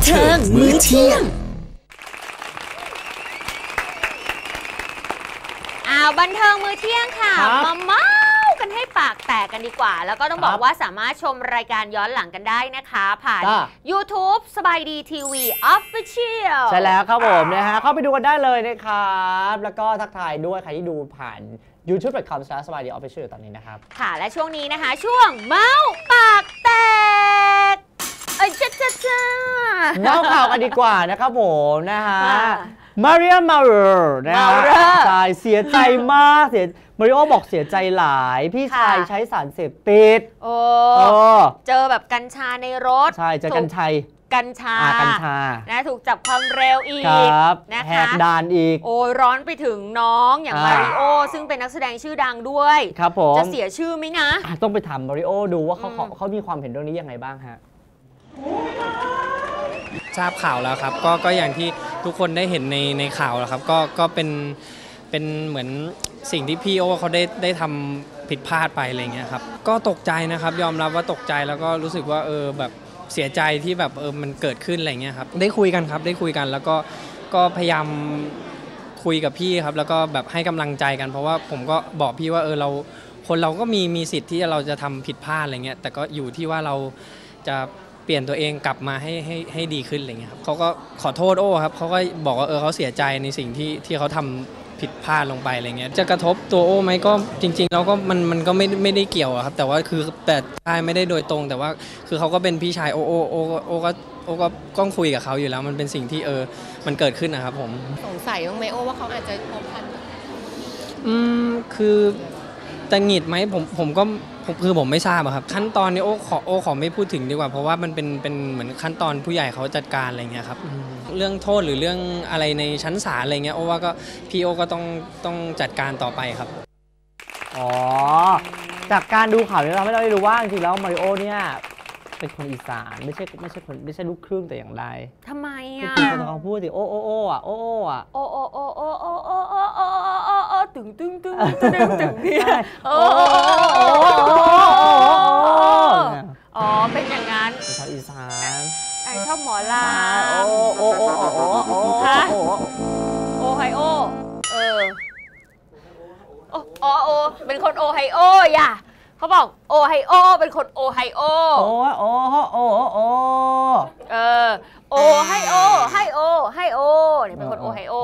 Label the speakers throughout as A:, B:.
A: เทิงมื้อเที่ยง
B: บันเทิงมื้อเที่ยงค่ะมาเมากันให้ปากแตกกันดีกว่าแล้วก็ต้องบอกว่าสามารถชมรายการย้อนหลังกันได้นะคะผ่าน YouTube สบายดีทีวี Official
C: ใช่แล้วครับผมนะฮะเข้าไปดูกันได้เลยนะครับแล้วก็ทักทายด้วยใครที่ดูผ่าน youtube.com/sabaidiofficial ตอนนี้นะครับ
B: ค่ะและช่วงนี้นะคะช่วงเมาปากแตกจ้า
C: เมาข่าวกันดีกว่านะครับผมนะฮะมาริโอมาเรอร์นะฮะใช่เสียใจมากมาริโอบอกเสียใจหลายพี่ชายใช้สารเสพติด
B: เจอแบบกัญชาในรถ
C: ใช่เจอกัญชา
B: นะถูกจับความเร็วอีกนะคะ
C: แหกด่านอีก
B: โอ้ร้อนไปถึงน้องอย่างมาริโอซึ่งเป็นนักแสดงชื่อดังด้วย
C: ครับผม
B: จะเสียชื่อไหมนะ
C: ต้องไปถามมาริโอดูว่าเขามีความเห็นเรื่องนี้ยังไงบ้างฮะ
D: ทราบข่าวแล้วครับก็อย่างที่ทุกคนได้เห็นในข่าวแล้วครับก็เป็นเหมือนสิ่งที่พี่โอเขาได้ทำผิดพลาดไปอะไรเงี้ยครับก็ตกใจนะครับยอมรับว่าตกใจแล้วก็รู้สึกว่าแบบเสียใจที่แบบมันเกิดขึ้นอะไรเงี้ยครับได้คุยกันครับได้คุยกันแล้วก็พยายามคุยกับพี่ครับแล้วก็แบบให้กำลังใจกันเพราะว่าผมก็บอกพี่ว่าเราก็มีสิทธิ์ที่เราจะทำผิดพลาดอะไรเงี้ยแต่ก็อยู่ที่ว่าเราจะเปลี่ยนตัวเองกลับมาให้ดีขึ้นอะไรเงี้ยครับเขาก็ขอโทษโอ้ครับเขาก็บอกว่าเขาเสียใจในสิ่งที่เขาทำผิดพลาดลงไปอะไรเงี้ยจะกระทบตัวโอ้ไหมก็จริงๆแล้วก็มันก็ไม่ได้เกี่ยวครับแต่ว่าคือแต่ใช่ไม่ได้โดยตรงแต่ว่าคือเขาก็เป็นพี่ชายโอก็ต้องคุยกับเขาอยู่แล้วมันเป็นสิ่งที่มันเกิดขึ้นนะครับผม
E: สงสัยบ้างไหมโอ้ว่าเขาอาจจะพบพัน
D: คือแต่หงิดไหมผมก็คือผมไม่ทราบครับขั้นตอนนี้โอ้ขอไม่พูดถึงดีกว่าเพราะว่ามันเป็นเหมือนขั้นตอนผู้ใหญ่เขาจัดการอะไรเงี้ยครับเรื่องโทษหรือเรื่องอะไรในชั้นศาลอะไรเงี้ยโอ้ว่าก็พี่โอก็ต้องจัดการต่อไปครับ
C: จากการดูข่าวนี้เราไม่ได้รู้ว่าจริงๆแล้วมาริโอเนี่ยเป็นคนอีสานไม่ใช่ลูกครึ่งแต่อย่างใด
B: ทำไมอ่ะ
C: คุณต้องพูดสิโอ้อ่ะ
B: ตึงเนี่ยเป็นอย่างนั้น
C: เป็นชาวอีสาน
B: ชอบหมอลาไฮโอเป็นคนโอไฮโออย่าเขาบอกโอไฮโอเป็นคนโอไฮโอโอไฮโอนี่เป็นคนโอไฮโอ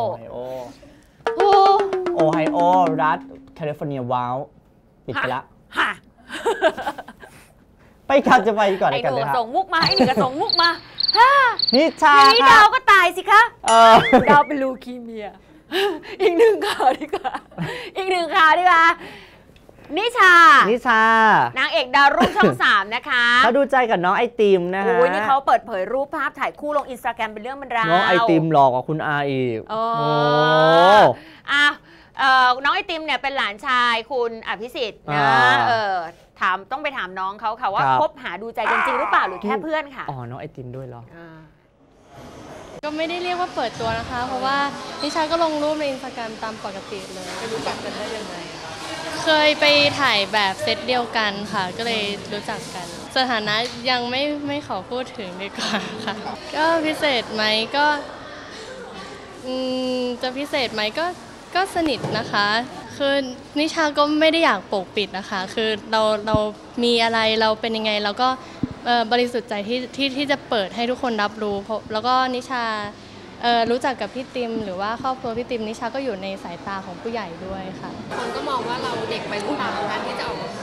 C: ไฮโอรัฐแคลิฟอร์เนียว้าวปิดไปละไปครับจะไปก่อนกันเลยครับ
B: ส่งมุกมาไอ้หนึ่งก็ส่งมุกมา
C: นิชา
B: นี่ดาวก็ตายสิคะดาวเป็นลูคีเมียอีกหนึ่งข่าวดีกว่านิชานางเอกดาวรุ่งช่อง 3นะคะ
C: เขาดูใจกับน้องไอติมนะฮะ
B: นี่เขาเปิดเผยรูปภาพถ่ายคู่ลงอินสตาแกรมเป็นเรื่องเป็นราว
C: น้องไอติมหลอกกว่าคุณอาอีก
B: น้องไอติมเนี่ยเป็นหลานชายคุณอภิสิทธิ์นะต้องไปถามน้องเขาค่ะว่าคบหาดูใจกันจริงหรือเปล่าหรือแค่เพื่อนค่ะ
C: น้องไอติมด้วยเหรอ
E: ก็ไม่ได้เรียกว่าเปิดตัวนะคะเพราะว่านิชาก็ลงรูปในอินสตาแกรมตามปกติเลยไปรู้จักกันได้ยังไงเคยไปถ่ายแบบเซตเดียวกันค่ะก็เลยรู้จักกันสถานะยังไม่ขอพูดถึงดีกว่าค่ะก็พิเศษไหมก็จะพิเศษไหมก็สนิทนะคะคือนิชาก็ไม่ได้อยากปกปิดนะคะคือเรามีอะไรเราเป็นยังไงเราก็บริสุทธิ์ใจที่จะเปิดให้ทุกคนรับรู้แล้วก็นิชารู้จักกับพี่ติมหรือว่าครอบครัวพี่ติมนิชาก็อยู่ในสายตาของผู้ใหญ่ด้วยค่ะคนก็มองว่าเราเด็กไปหรือเปล่าการที่จะออกมา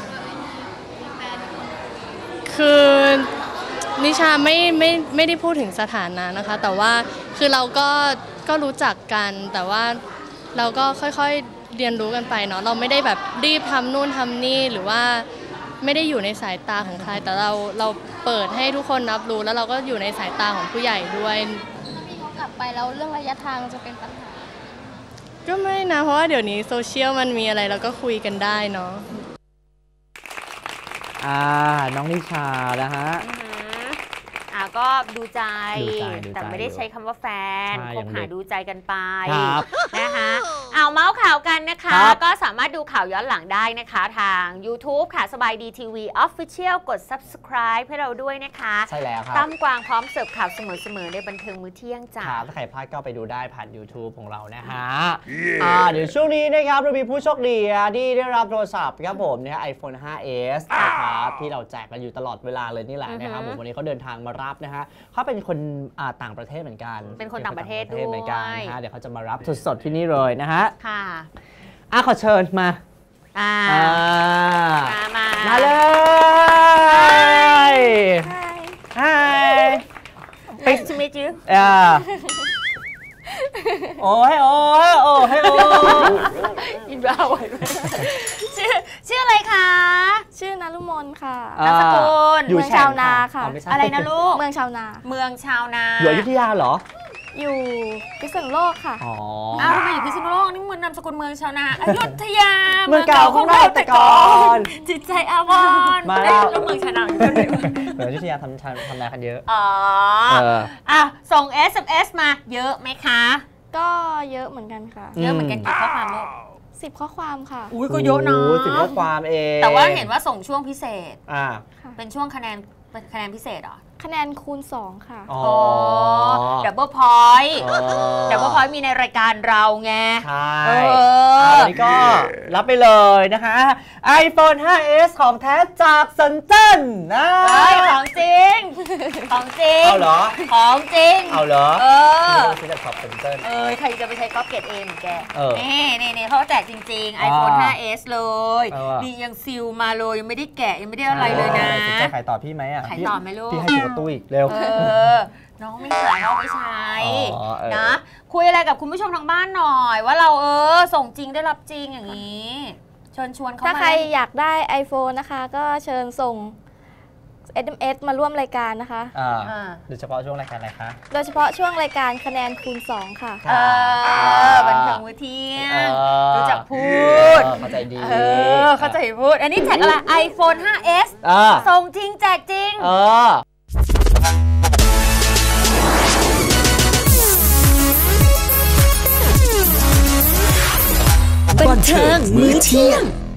E: คือนิชาไม่ได้พูดถึงสถานะนะคะแต่ว่าคือเราก็รู้จักกันแต่ว่าเราก็ค่อยๆเรียนรู้กันไปเนาะเราไม่ได้แบบรีบทำนู่นทำนี่หรือว่าไม่ได้อยู่ในสายตาของใครแต่เราเปิดให้ทุกคนรับรู้แล้วเราก็อยู่ในสายตาของผู้ใหญ่ด้วยกลับไปแล้วเรื่องระยะทางจะเป็นปัญหาก็ไม่นะเพราะว่าเดี๋ยวนี้โซเชียลมันมีอะไรเราก็คุยกันได้เนาะ
C: น้องนิชานะฮะ
B: ก็ดูใจ
C: ดูใจ
B: แต่ไม่ได้ใช้คำว่าแฟน
C: ใช่
B: คบหาดูใจกันไป
C: ครับ
B: นะคะเอาเมาส์ข่าวกันนะคะ
C: ครับ
B: ก็สามารถดูข่าวย้อนหลังได้นะคะทาง YouTube ค่ะสบายดีทีวี Official กด Subscribe ให้เราด้วยนะคะ
C: ใช่แล้วครับ
B: ตั้มกวางพร้อมเสิร์ฟข่าวเสมอๆในบันเทิงมื้อเที่ยงจ้า
C: ครับถ้าใครพลาดก็ไปดูได้ผ่าน YouTube ของเรานะฮะเดี๋ยวช่วงนี้นะครับเรามีผู้โชคดีที่ได้รับโทรศัพท์ครับผมเนี่ย iPhone 5s นะครับที่เราแจกกันอยู่ตลอดเวลาเลยนี่แหละนะครับผมวันนี้เขาเดินทางมารับนะฮะเขาเป็นคนต่างประเทศเหมือนกัน
B: เป็นคนต่างประเทศ
C: เหมือนกัน
B: ด้วย
C: นะฮะเดี๋ยวเขาจะมารับสดๆที่นี่เลยนะฮะ
B: ค่ะ
C: ขอเชิญมา มาเลย Hi
B: Nice to meet you
C: โอ้ย
B: อินบ้าไว้ชื่ออะไรคะ
A: ชื่อนารุมนค่ะ
B: นามสกุล
C: อยู่
A: เมืองชาวนาค่ะ
C: ไม่ใช่
B: อะไรนะลูก
A: เมืองชาวนา
B: เมืองชาวนา
C: อยู่อยุธยาเหรอ
A: อยู่พิษณุโลกค่ะ
C: อ๋อ
B: อ้าวทำไมอยู่พิษณุโลกนี่มันนามสกุลเมืองชาวนาอยุธยา
C: เมืองเก่าของเราแต่ก่อน
B: จิตใจอาวรณ์
C: มาแล้ว
B: แล้วเมืองชาวนาอยู่ที่ไหนวะ
C: เหมือนอยุธยาทำนากันเยอะ
B: อ๋อ ส่ง SMS มาเยอะไหมคะ
A: ก็เยอะเหมือนกันค่ะ
B: เยอะเหมือนกันกี่ข้อความลูก
A: 10 ข้อความค่ะ
B: อุ้ยก็เยอะนะ
C: ถึงข้อความเอง
B: แต่ว่าเห็นว่าส่งช่วงพิเศษ
C: อ่า
B: เป็นช่วงคะแนนพิเศษเหรอ
A: คะแนนคูณ 2 ค่ะ
C: อ๋อ
B: ดับเบิลพอยต์
C: อ๋อ
B: ดับเบิลพอยต์มีในรายการเราไง
C: ใช่
B: เออ
C: วันนี้ก็รับไปเลยนะคะ iPhone 5s ของแท้จากสันเจิ้นนะ
B: เฮ้ยของจริง ของจริง
C: เอาเหรอ
B: ของจริง
C: เอาเหรอ
B: เออ
C: ซื้อจากช็อปสันเจิ้น
B: ใครจะไปใช้ก๊อปเกตเองแก
C: เออ
B: นี่เขาแจกจริง ๆ iPhone 5s เลย
C: เออ
B: นี่ยังซิลมาเลยยังไม่ได้แกะยังไม่ได้อะไรเลยนะ
C: สนใจขายต่อพี่ไหมอ่ะ
B: ขายต่อไหมลูก
C: พี่ให้ตัวตู้อีกเร็ว
B: น้องไม่ขายน้องไม่ใช้
C: อ๋อเออ
B: นะ คุยอะไรกับคุณผู้ชมทางบ้านหน่อย ว่าเราส่งจริงได้รับจริงอย่างนี้ เชิญชวนเขา
A: ถ้า
B: มา
A: ใครอยากได้ iPhone นะคะ ก็เชิญส่ง SMS มาร่วมรายการนะคะ
C: โดยเฉพาะช่วงรายการอะไรคะ
A: โดยเฉพาะช่วงรายการคะแนนคูณ 2 ค่ะ
B: บันเทิงมื้อเที่ยง รู้จักพูด
C: เข้าใจดี
B: เข้าใจพูด อันนี้แจกอะไร iPhone 5s ส่งจริงแจกจริง
F: บันเทิงมื้อเที่ยง